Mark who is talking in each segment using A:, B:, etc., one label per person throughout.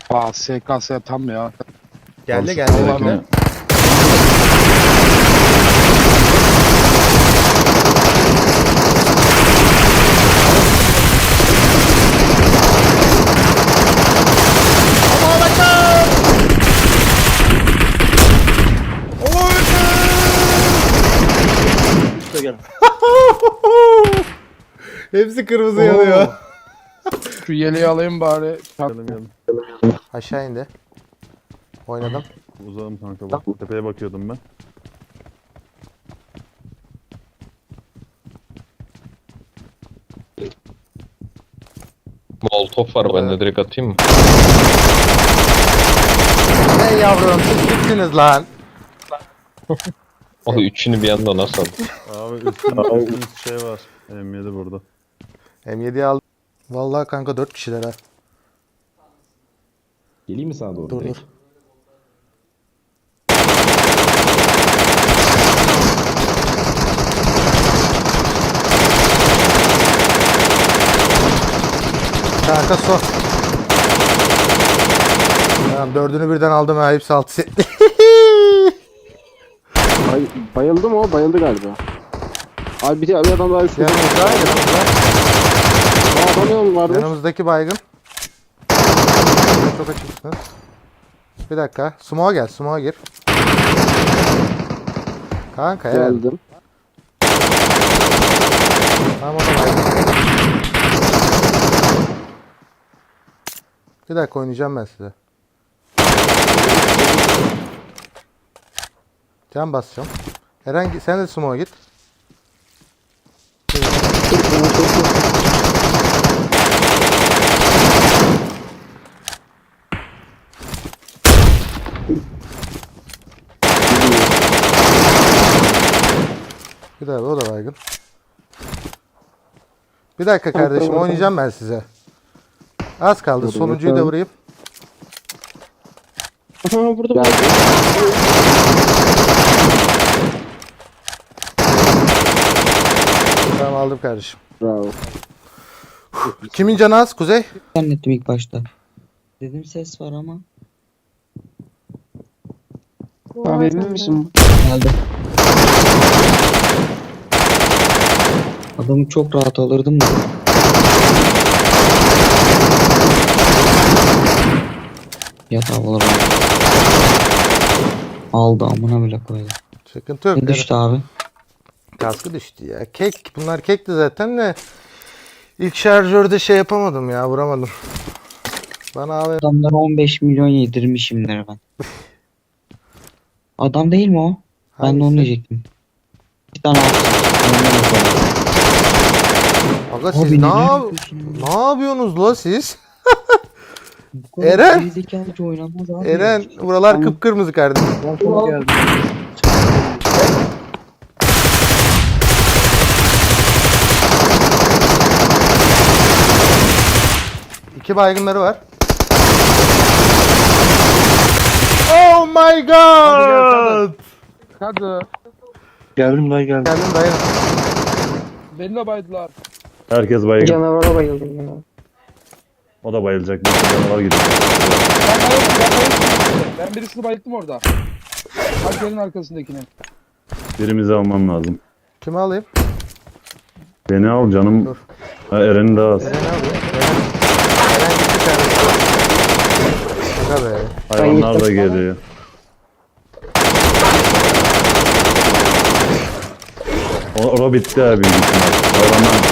A: SKS tam ya.
B: Geldi
C: Tamam,
B: geldi.
A: Vallahi
B: Bekle. Allahu Ekber! Allahu
C: İşte gel.
B: Ekber! Hepsi kırmızı yanıyor.
A: Şu yeleği alayım bari.
C: Geldim.
B: Aşağı indi. Oynadım.
C: Uzağım kanka bak. Tepeye bakıyordum ben.
D: Molotov var bende, direkt atayım mı?
B: Ne yavrum siz kimsiniz lan?
D: O üçünü bir anda nasıl aldın?
C: Abi üstün şey var. M7 burada.
B: M7'yi aldım. Vallahi kanka 4 kişiler ha.
E: Geleyim mi sana doğru
B: Dur
E: direkt?
B: dur. Kanka son. Tamam dördünü birden aldım ha, hepsi 6 setli.
F: Bayıldı mı o? Bayıldı galiba. Abi bir adam daha üstünde.
B: yanımızda.
F: Adam vardı.
B: Yanımızdaki baygın. Çok açıksınız. Bir dakika. Smoke'a gel. Smoke'a gir. Kanka evet.
F: Geldim.
B: Tamam o da baygın. Bir dakika oynayacağım ben size. Can basacağım. Eren sen de smoke'a git. Bir daha o da baygın. Bir dakika kardeşim oynayacağım ben size. Az kaldı. Sonuncuyu da vurayım.
F: Burada.
B: Tamam aldım kardeşim.
F: Bravo.
B: Kimin canı az? Kuzey?
G: Zannettim ilk başta. Dedim ses var ama.
F: Abi emin misin?
G: Geldi. Adamı çok rahat alırdım da. Yat havalara. Aldı amına bile koydu.
B: Sıkıntı yok.
G: Ne düştü abi?
B: Kaskı düştü ya. Kek. Bunlar kekti zaten de. İlk şarjörde şey yapamadım ya. Vuramadım. Bana abi.
G: Adamlara 15 milyon yedirmişimdir ben. Adam değil mi o? Ben de onu
B: Hangisi?
G: diyecektim. Bir tane altı.
B: Aga siz ne yapıyorsunuz la siz? Eren!
G: Gerizekalıca oynanmaz abi.
B: Eren buralar kıpkırmızı kardeşim. İki baygınları var. Oh my god!
A: Hadi.
C: Geldim lan geldim.
B: Geldim dayan.
A: Beni de baydılar.
C: Herkes baygın.
F: Canavara bayıldım ya.
C: O da bayılacak. Bir canavar gidiyor.
A: Ben birisini bayılttım orada. Tankerin arkasındakini.
C: Birimizi almam lazım.
B: Kimi alayım?
C: Beni al canım.
B: Dur.
C: Ha, Eren'i daha az.
B: Eren'i alayım. Eren gitti kardeşim. Şaka be.
C: Hayvanlar da geliyor. O bitti abi. Hayvanlar.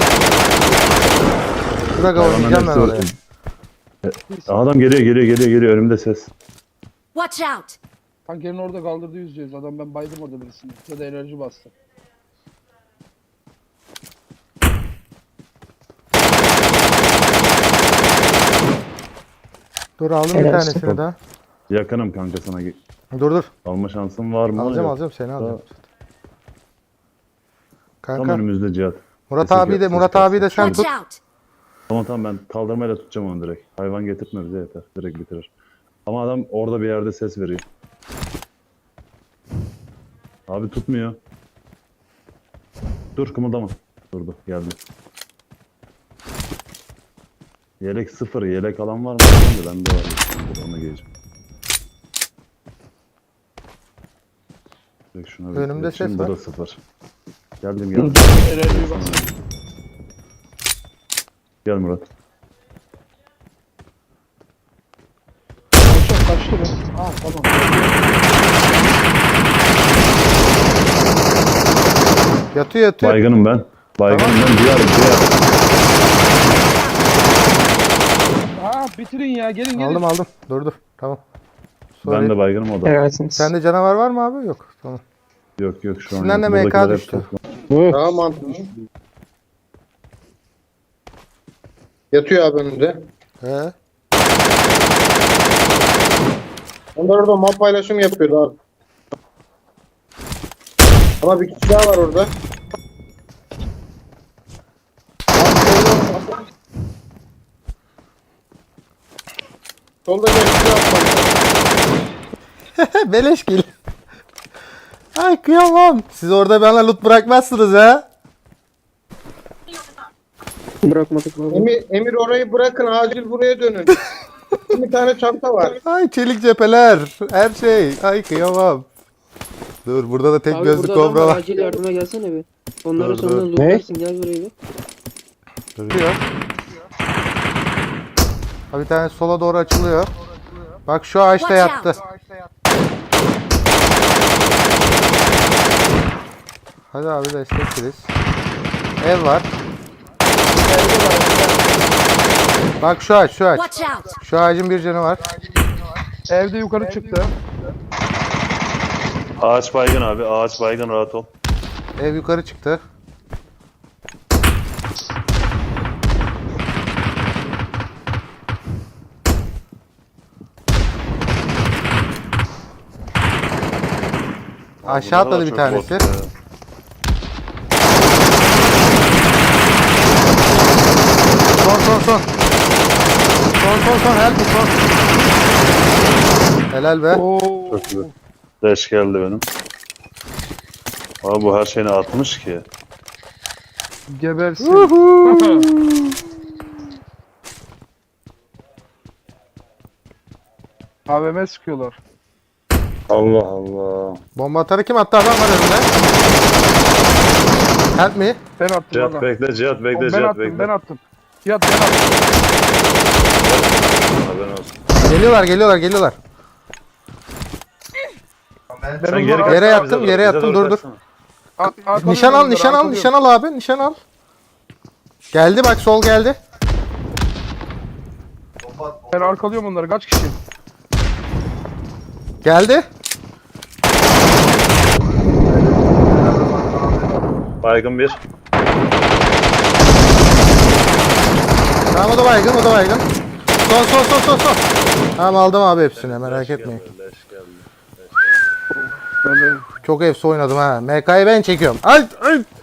B: Bir dakika oynayacağım ben oraya.
C: Adam geliyor. Önümde ses.
H: Watch out!
A: Tankerin orada kaldırdı yüz. Adam ben baydım orada birisini. Ya da enerji bastı.
B: Dur aldım bir tanesini daha.
C: Yakınım kanka sana.
B: Dur.
C: Alma şansın var mı?
B: Alacağım
C: Yok.
B: seni alacağım.
C: Tam
B: Kanka
C: önümüzde Cihat.
B: Murat
C: Sesi
B: abi de
C: ses
B: Murat
C: gelsin.
B: abi de sen
H: Watch
B: tut.
H: out!
C: Tamam ben kaldırmayla tutacağım onu direkt. Hayvan getirtme bize yeter. Direkt bitirir. Ama adam orada bir yerde ses veriyor. Abi tutmuyor. Dur kımıldama. Durdu geldi. Yelek sıfır. Yelek alan var mı? Bende var. Onu geleceğim. Direkt şuna bir
B: Önümde
C: geçeyim,
B: ses
C: bu
B: var.
C: da sıfır. Geldim
A: Dur
C: geldim.
A: dur. Enerjiyi bas.
C: Gel Murat.
A: Kaçtı mı? Aa tamam.
B: Yatıyor yatıyor.
C: Baygınım ben. Baygınım ben. Diğer.
A: Aa bitirin ya gelin gelin.
B: Aldım aldım. Dur. Tamam.
C: Ben
B: Sorry.
C: de baygınım o da.
G: Helalsiniz.
B: Sende canavar var mı abi? Yok. Tamam.
C: Yok yok şu an
B: İçinden
C: yok.
B: de MK
C: Buradakiler hep
B: düştü.
C: toplam.
E: Daha mantıklı. Yatıyor abi önünde.
B: He.
E: Onlar orada map paylaşımı yapıyordu abi. Ama bir kişi daha var orada. Solda geçti atmadı.
B: Beleş gel. Ay kıyamam. Siz orada bana loot bırakmazsınız ha.
F: Bırakmadık mı?
E: Emir orayı bırakın acil buraya dönün. Bir tane çanta var.
B: Ay çelik cepheler. Her şey. Ay kıyamam. Dur burada da tek
F: Abi
B: gözlü
F: burada adam
B: kobra
F: var,
B: var.
F: acil yardıma gelsene bir. Onları
B: Dur,
F: sonra
B: dur.
F: lootlarsın gel buraya bir.
B: Duruyor. Ha, bir tane sola doğru açılıyor. Bak şu ağaçta
H: Watch
B: yattı.
H: out.
B: Hadi abi destekleriz. Ev var. Bak şu ağaç.
H: Watch out.
B: Şu ağacın bir canı var.
A: Evde yukarı çıktı.
C: Ağaç baygın abi. Ağaç baygın rahat ol.
B: Ev yukarı çıktı. Aşağı atladı bir tanesi. Son. Son. Help me, son. Helal be.
A: Oo.
C: Çok güzel. Leş geldi benim. Abi bu her şeyini atmış ki.
A: Gebersin. AVM sıkıyorlar.
C: Allah Allah.
B: Bomba atarı kim attı? Adam var önünde. Help me.
A: Ben attım
C: Cihat
A: valla.
C: bekle, Cihat bekle,
A: Ben
C: Cihat
A: attım
C: bekle.
A: ben attım. Cihat ben attım.
C: Haberin olsun.
B: Geliyorlar.
A: Ben
C: Sen
A: onları
C: geri
A: at-
B: Yere
C: kaçsana,
B: yattım,
C: bize
B: yere
C: doğru,
B: yattım,
C: bize
B: dur,
C: doğru
B: dur.
C: kaçsana.
B: Nişan al,
A: arkalıyorum
B: nişan al,
A: onları,
B: nişan al abi, nişan al. Geldi bak, sol geldi.
A: Ben arkalıyorum onları kaç kişi?
B: Geldi.
C: Baygın bir.
B: Tamam, o da baygın. Son. Tamam, aldım abi hepsini, merak etmeyin.
C: Leş geldi.
A: Böyle
B: Çok efsi oynadım ha. MK'yı ben çekiyorum. Ay.